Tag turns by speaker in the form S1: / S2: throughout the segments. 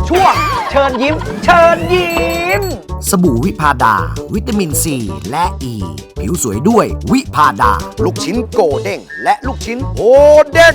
S1: ช่วงเชิญยิ้ม เชิญยิ้ม
S2: สบู่วิพาดา วิตามินซีและอ e. ีผิวสวยด้วยวิพาดา
S1: ลูกชิ้นโกเด้งและลูกชิ้นโฮเด้ง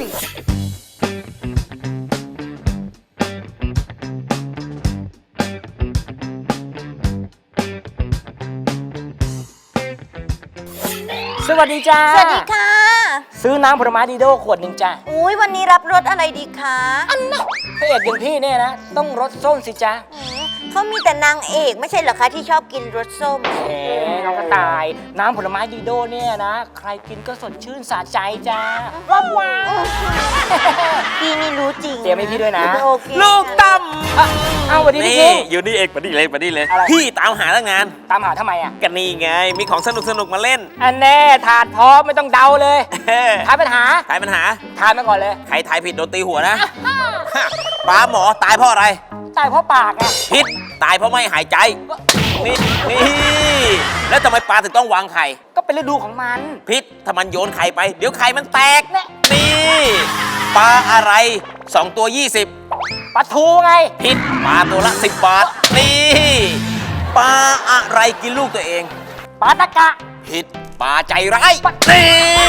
S3: สวัสดีจ้า
S4: สวัสดีค่ะ
S3: ซื้อน้ำผลไม้ดีโดขวดหนึ่งจ้า
S4: อุ้ยวันนี้รับรสอะไรดีคะ
S3: พระเอกอย่างพี่เนี่ยนะ ต้องรสส้มสิจ้า
S4: เขามีแต่นางเอกไม่ใช่เหรอคะที่ชอบกินรสส้ม
S3: เอ๋น้องกระต่าย น้ำผลไม้ดีโดเนี่ยนะ ใครกินก็สดชื่นสะใจจ้าว้าวว้าว
S4: พี่นี่รู้จริง
S3: เตรียมให้พี่ด้วยนะ
S4: โอเค
S5: ลูกตั้ม
S3: เอาสวัสดีพี่
S5: นี่
S3: คิง
S5: อยู่นี่เองมาดิเลยมาดิเลย
S3: อะไร
S5: พี่ตามหาตั้งนาน
S3: ตามหาทำไมอ่ะ
S5: กันนี่ไง มีของสนุกมาเล่น
S3: อันแน่ถาดพร้อมไม่ต้องเดาเลยทายปัญหา
S5: ทายปัญหา
S3: ทายมาก่อนเลย
S5: ใครทายผิดโดนตีหัวนะปลาหมอตายเพราะอะไร
S3: ตายเพราะปากไง
S5: พิษตายเพราะไม่หายใจ นี่แล้วทำไมปลาถึงต้องวางไข่
S3: ก็เป็นฤดูของมัน
S5: พิษถ้ามันโยนไข่ไป เดี๋ยวไข่มันแตก
S3: เนี่ย
S5: นี่ปลาอะไร2ตัว20
S3: ปลาทูไง
S5: พิษปลาตัวละ10 บาท นี่ปลาอะไรกินลูกตัวเอง
S3: ปลาตะกะ
S5: ผิดปลาใจร้ายนี่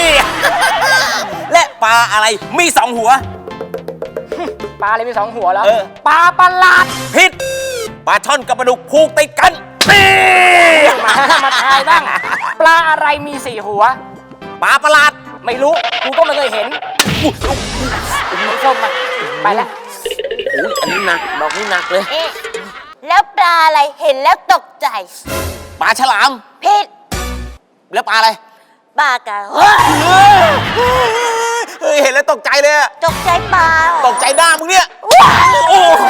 S5: และปลาอะไรมี2 หัว
S3: ปลาอะไรมี2 หัวแล้ว
S5: เออ
S3: ปลาประหลาด
S5: ผิดปลาช่อนกับปลาดุกผูกติดกันนี่
S3: มาทายบ้าง ปลาอะไรมี4 หัว
S5: ปลาประหลาด
S3: ไม่รู้ กูก็ไม่เคยเห็นไม่ส้มมาไปแล้ว
S5: โอ้ยอันนี้หนักดอกนี้หนักเลย
S4: เอ๊ะแล้วปลาอะไรเห็นแล้วตกใจ
S5: ปลาฉลาม
S4: ผิด
S5: แล้วปลาอะไร
S4: ปลากระ
S5: เฮ้ยเห็นแล้วตกใจเลยอะ
S4: ตกใจปลา
S5: ตกใจหน้ามึงเนี่ย
S4: ว้าย
S5: โอ้โห